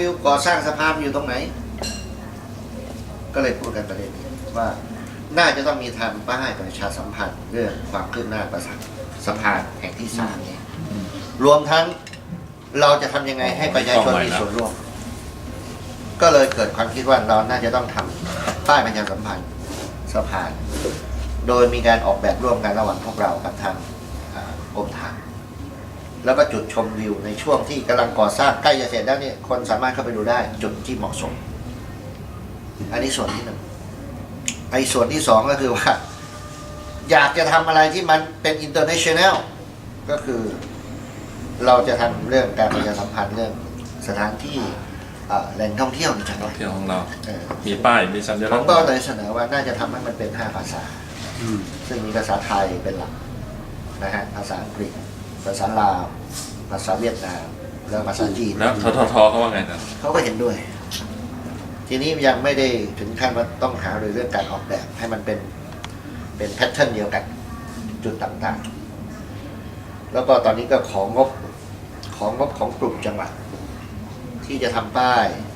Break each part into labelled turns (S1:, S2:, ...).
S1: วิวก่อสร้างสะพานอยู่ตรงไหนก็เลยพูดกันประเด็นนี้ว่าน่าจะต้องมีทำป้ายประชาสัมพันธ์เรื่องความคืบหน้าประสะพานแห่งที่3นี้รวมทั้งเราจะทำยังไงให้ประชาชนมีส่วนร่วมก็เลยเกิดความคิดว่าเราน่าจะต้องทำป้ายประชาสัมพันธ์สะพานโดยมีการออกแบบร่วมกันระหว่างพวกเรากับทางกรมทางแล้วก็จุดชมวิวในช่วงที่กำลังก่อสร้างใกล้จะเสร็จแล้วเนี่ยคนสามารถเข้าไปดูได้จุดที่เหมาะสมอันนี้ส่วนที่1ไอ้ส่วนที่2ก็คือว่าอยากจะทำอะไรที่มันเป็น international ก็คือเราจะทำเรื่องการประชาสัมพันธ์เรื่องสถานที่แหล่งท่องเที่ยวในจังหวัด
S2: ของเรามีป้ายมีสัญลักษณ์
S1: ผมก็เลยเสนอว่าน่าจะทำให้มันเป็น5ภาษาซึ่งมีภาษาไทยเป็นหลักนะฮะภาษาอังกฤษภาษาลาวภาษาเวียดนามแล้วภาษาจีน
S2: แล้วทเขาว่าไงนะ
S1: เขาก็เห็นด้วยทีนี้ยังไม่ได้ถึงขั้นว่าต้องหาเรื่องการออกแบบให้มันเป็นแพทเทิร์นเดียวกันจุดต่างๆแล้วก็ตอนนี้ก็ของงบของกลุ่มจังหวัดที่จะทำป้าย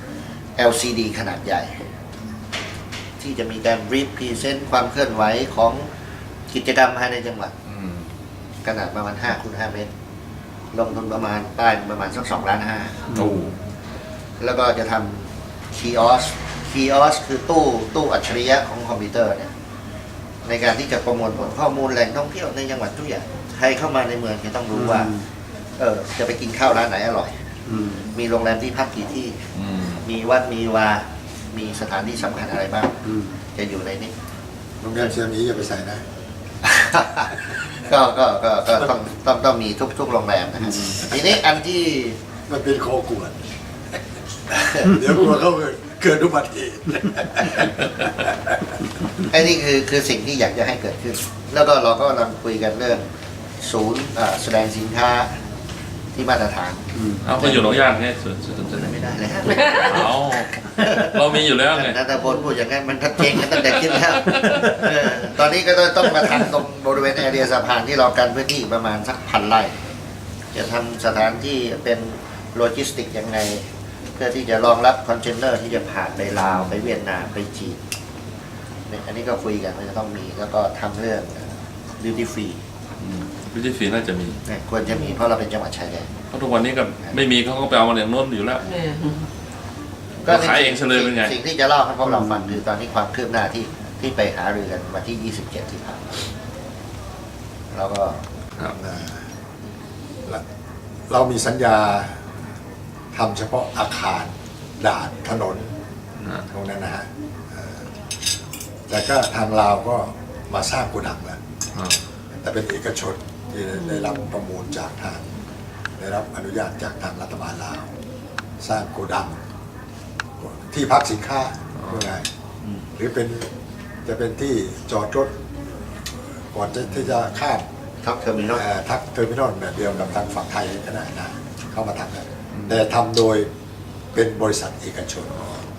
S1: LCD ขนาดใหญ่ที่จะมีการรีพรีเซนต์ความเคลื่อนไหวของกิจกรรมภายในจังหวัดขนาดประมาณ5 คูณ 5 เมตรลงทุนประมาณป้ายประมาณสัก2.5 ล้านแล้วก็จะทำคีออสคือตู้อัจฉริยะของคอมพิวเตอร์เนี่ยในการที่จะประมวลผลข้อมูลแหล่งท่องเที่ยวในจังหวัดทุกอย่างใครเข้ามาในเมืองจะต้องรู้ว่าจะไปกินข้าวร้านไหนอร่อยมีโรงแรมที่พักกี่ที่มีวัดมีวามีสถานที่สำคัญอะไรบ้างจะอยู่ในนี้
S3: โรงแรมเชียงนี้อย่าไปใส่นะ
S1: ก็ต้องมีทุกโรงแรมนะฮะทีนี้อันที่
S3: มันเป็นคอกวดเดี๋ยวกลัวเขาเกิดอุบัติเหตุ
S1: ไอ้นี่คือสิ่งที่อยากจะให้เกิดขึ้นแล้วก็เราก็กำลังคุยกันเรื่องศูนย์แสดงสินค้าที่มาตรฐาน
S2: เอาก็อยู่หนองย่างไงส่วน
S1: ไม่ได้เลย
S2: เรามีอยู่แล้วไง
S1: นัทพลพูดอย่างนั้นมันทัดเจนกันตั้งแต่ขึ้นแล้วตอนนี้ก็ต้องมาทำตรงบริเวณแอเรียสะพานที่เรากันพื้นที่ประมาณสัก1,000 ไร่จะทำสถานที่เป็นโลจิสติกยังไงเพื่อที่จะรองรับคอนเทนเนอร์ที่จะผ่านไปลาวไปเวียดนามไปจีนเนี่ยอันนี้ก็คุยกันว่าจะต้องมีแล้วก็ทำเรื่องดิวตี้ฟรี
S2: น่าจะมี
S1: ควรจะมีเพราะเราเป็นจังหวัดชายแดน
S2: เพราะทุกวันนี้ก็ไม่มีเขาก็ไปเอามาอย่างโน้นอยู่แล้วก็ขายเองเฉลยเป็นไง
S1: สิ่งที่จะเล่าให้พวกเราฟังคือตอนนี้ความคืบหน้าที่ไปหารือกันวันที่27ที่ผ่านมาแล้วก็
S3: เรามีสัญญาทำเฉพาะอาคารด่านถนนตรงนั้นนะฮะแต่ก็ทางลาวก็มาสร้างโกดังแล้วแต่เป็นเอกชนที่ได้รับประมูลจากทางได้รับอนุญาตจากทางรัฐบาลลาวสร้างโกดังที่พักสินค้าว่าไงหรือจะเป็นที่จอดรถก่อนที่จะข้าม
S1: ทักเทอร์มินอล
S3: แบบเดียวกับทางฝั่งไทยขนาดนั้นเข้ามาทำแล้วแต่ทำโดยเป็นบริษัทเอกชน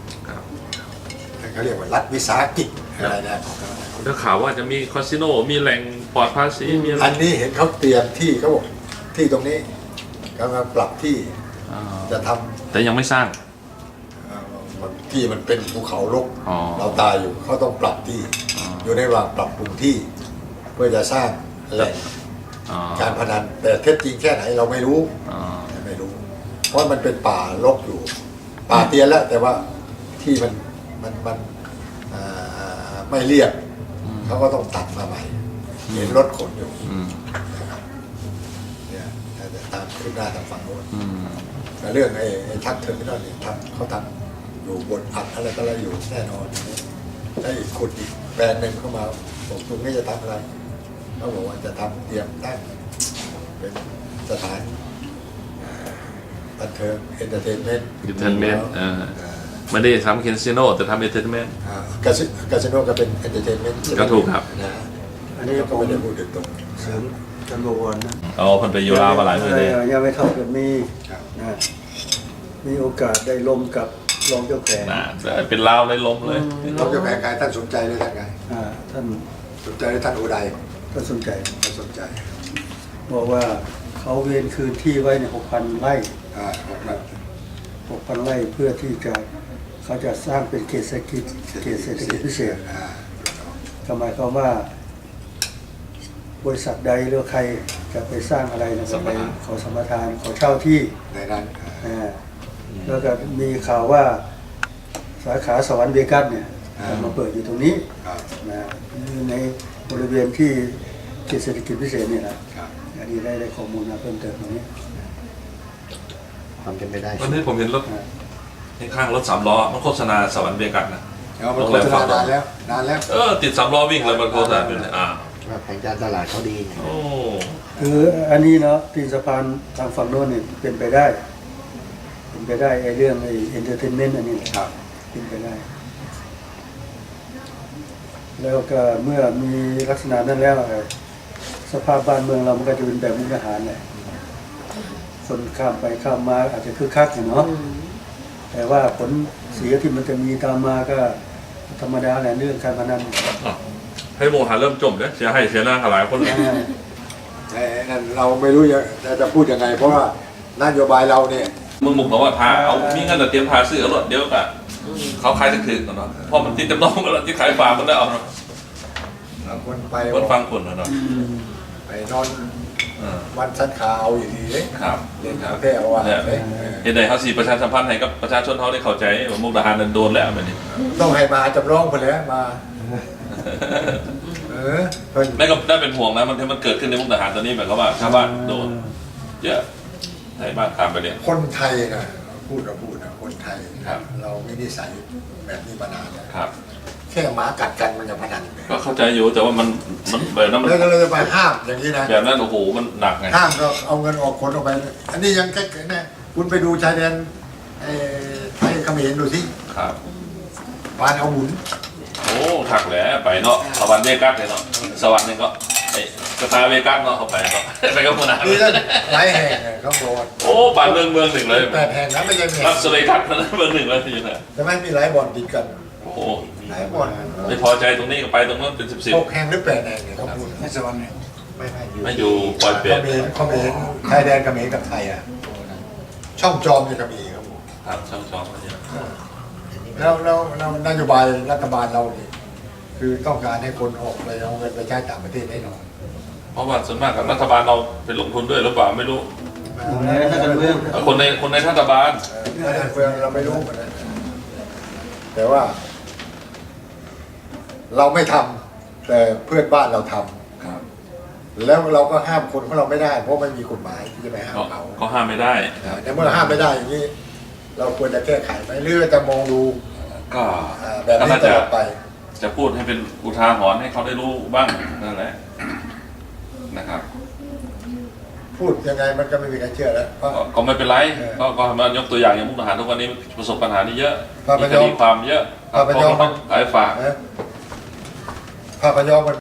S3: เขาเรียกว่ารัฐวิสาหกิจอะไรนะ
S2: ถ้าข่าวว่าจะมีคาสิโนมีแหล่งปลอดภาษีมี
S3: อันนี้เห็นเขาเตรียมที่เขาบอกที่ตรงนี้กำลังปรับที่จะทำ
S2: แต่ยังไม่สร้าง
S3: ที่มันเป็นภูเขารกเราตายอยู่เขาต้องปรับที่อยู่ในระหว่างปรับปรุงที่เพื่อจะสร้างแหล่งการพนันแต่เท็จจริงแค่ไหนเราไม่รู้เพราะมันเป็นป่ารกอยู่ป่าเตียนแล้วแต่ว่าที่มันไม่เรียบเขาก็ต้องตัดมาใหม่เห็นรถขนอยู่นะครับเนี่ยแต่ตามขึ้นหน้าทางฝั่งโน้นแต่เรื่องไอ้ทักเทอร์มินอลเนี่ยเขาทำอยู่บนอัดอะไรอยู่แน่นอนได้ขุดอีกแบรนด์หนึ่งเข้ามาบอกตรงนี้จะทำอะไรเขาบอกว่าจะทำเตรียมตั้งเป็นสถานบันเทิงเอนเตอร์เทนเมนต์
S2: ไม่ได้ทำคาสิโนแต่ทำเอนเตอร์เทนเมนต์
S3: คาสิโนก็เป็นเอนเตอร์เทนเมนต์
S2: ก็ถูกครับ
S3: อันนี้ก็ไม่ได้พูดถึงตรง
S4: เสริมจำนวนนะ
S2: พันไปยูรามาหลายปีเลย
S4: ยังไม่เท่ากับมีโอกาสได้ลมกับรองเจ้าแขก
S2: เป็นลาวเลยลมเลย
S3: รองเจ้าแขกท่านสนใจเลยท่านไง
S4: ท่าน
S3: สนใจท่านอุดัย
S4: ท่านสนใจบอกว่าเขาเวียนคืนที่ไว้ใน6,000 ไร่ 6,000 ไร่เพื่อที่จะเขาจะสร้างเป็นเขตเศรษฐกิจพิเศษก็หมายความว่า บริษัทใดหรือใครจะไปสร้างอะไรนะก็ไปขอสัมปทานขอเช่าที่
S3: ในนั้น
S4: แล้วก็มีข่าวว่าสาขาสวรรค์เวกัสเนี่ยจะมาเปิดอยู่ตรงนี้
S3: ครับ
S4: นะในบริเวณที่เขตเศรษฐกิจพิเศษเนี่ยนะครับ อันนี้ได้ข้อมูลมาเพิ่มเติมตรงนี้
S1: ความเป็นไปได้
S2: วันนี้ผมเห็นรถข้างรถ3 ล้อมันโฆษณาสวรรค์เบกัสนะ
S3: แล้วมันโฆษณานานแล้ว
S2: ติด3 ล้อวิ่งเลยมันโฆษณาอยู่เลย
S1: ว่าแผนการตลาดเขาดีไง
S2: โอ้
S4: คืออันนี้เนาะตีนสะพานทางฝั่งโน้นเนี่ยเป็นไปได้ไอ้เรื่องไอ้เอนเตอร์เทนเมนต์อันนี้
S3: ครับ
S4: เป็นไปได้ แล้วก็เมื่อมีลักษณะนั้นแล้วสภาพบ้านเมืองเรามันก็จะเป็นแบบมุกดาหารแหละคนข้ามไปข้ามมาอาจจะคึกคักอยู่เนาะแต่ว่าผลเสียที่มันจะมีตามมาก็ธรรมดาแหละเรื่องการพนัน
S2: ให้โมหาเริ่มจมเนี่ยเสียให้เสียหน้าหลายคนเลย
S3: แต่นั่นเราไม่รู้จะพูดยังไง เพราะว่านโยบายเราเนี่ย
S2: มึงบอกว่าทาเอามีเงินแต่เตรียมทาซื้อเอารถเดียวกันเขาขายถึงๆเนาะพอมันติดจำนองกันแล้วที่ขายฟาร์มมันได้เอาเนาะ
S3: คนไป
S2: คนฟังคนเนาะ
S3: ไปนอนวันสันขาวอย่างนี้เลย
S2: ครับ
S3: เล่นหาแพ้เอาว่า
S2: เนี่ยเห็นไหนเขาสีประชาสัมพันธ์ให้กับประชาชนเขาได้เข้าใจว่ามุกดาหารนั้นโดนแล้วแบบนี้
S3: ต้องให้มาจำลองไปแล้วมาเพิ่น
S2: แม่ก็ได้เป็นห่วงนะมันเกิดขึ้นในมุกดาหารตอนนี้แบบว่าชาวบ้านโดนเยอะไทยบ้านข้ามไปเนี่ย
S3: คนไทยนะพูดนะคนไทย
S2: ครับ
S3: เราไม่ได้ใส่แบบนี้มานานแล้ว
S2: ครับ
S3: แค่หมากัดกันมันจะพนันเลย
S2: ก็เข้าใจอยู่แต่ว่ามันแบบนั้นมัน
S3: แล้วก็เลยไปห้ามอย่างนี้นะ
S2: แบบนั้นโอ้โหมันหนักไง
S3: ห้ามก็เอาเงินออกคนออกไป อันนี้ยังแค่นะคุณไปดูชายแดนไทยเขมรดูสิ
S2: ครับ
S3: ปานเอาหมุน
S2: โอ้ถักแหละไปเนาะสวรรค์เวกัสเลยเนาะสวรรค์นึงก็ไอ้สตาร์เวกัสเนาะเขาไปเนาะไปกับคนนั้น
S3: นี่นั่นหลายแห่งเขาโดน
S2: โอ้บ้านเมืองหนึ่งเลย
S3: 8 แห่งนะไม่ใช่แห่ง
S2: รับสเลทัศน์นะเมืองหนึ่งเลยที่ไหน
S3: แต่ไม่มีหลายบ่อนติดกัน
S2: โอ้โห
S3: หลายบ่อน
S2: ไม่พอใจตรงนี้ก็ไปตรงนั้นเป็น10
S3: 6 แห่งหรือ8 แห่งเนี่ยเขาพูดในสวรรค์เนี่ยไม่
S2: ไม่อยู่ปล่อยเปลี่ยน
S3: เขมรชายแดนเขมรกับไทยอ่ะช่องจอมเนี่ยก็มีครับผม
S2: ครับช่องมาเนี่ย
S3: แล้วนโยบายรัฐบาลเราเนี่ยคือต้องการให้คนออกไปเอาเงินไปใช้ต่างประเทศแน่นอน
S2: เพราะว่าส่วนมากกับรัฐบาลเราไปลงทุนด้วยหรือเปล่าไม่รู้ คนในรัฐบาล
S3: การเมืองเราไม่รู้เหมือนกันแต่ว่า เราไม่ทำแต่เพื่อนบ้านเราทำ
S2: ครับ
S3: แล้วเราก็ห้ามคนของเราไม่ได้ เพราะไม่มีกฎหมายที่จะไปห้ามเขา
S2: ก็ห้ามไม่ได้
S3: ในเมื่อห้ามไม่ได้อย่างนี้ เราควรจะแก้ไขไหมหรือจะมองดู
S2: ก็
S3: แบบนี้ตลอดไป
S2: จะพูดให้เป็นอุทาหรณ์ให้เขาได้รู้บ้างนั่นแหละนะครับ
S3: พูดยังไงมันก็ไม่มีใครเชื่อแล้วเพราะ
S2: ก็ไม่เป็นไร
S3: เออ
S2: ก็มายกตัวอย่างอย่างมุกดาหารทุกวันนี้ประสบปัญหานี้เยอะ
S3: พระพ
S2: มี
S3: ย
S2: ค
S3: อม
S2: ดีความเยอะ
S3: พระพยอม
S2: ต้องขายฝาก
S3: นะภาพยนตร์มัน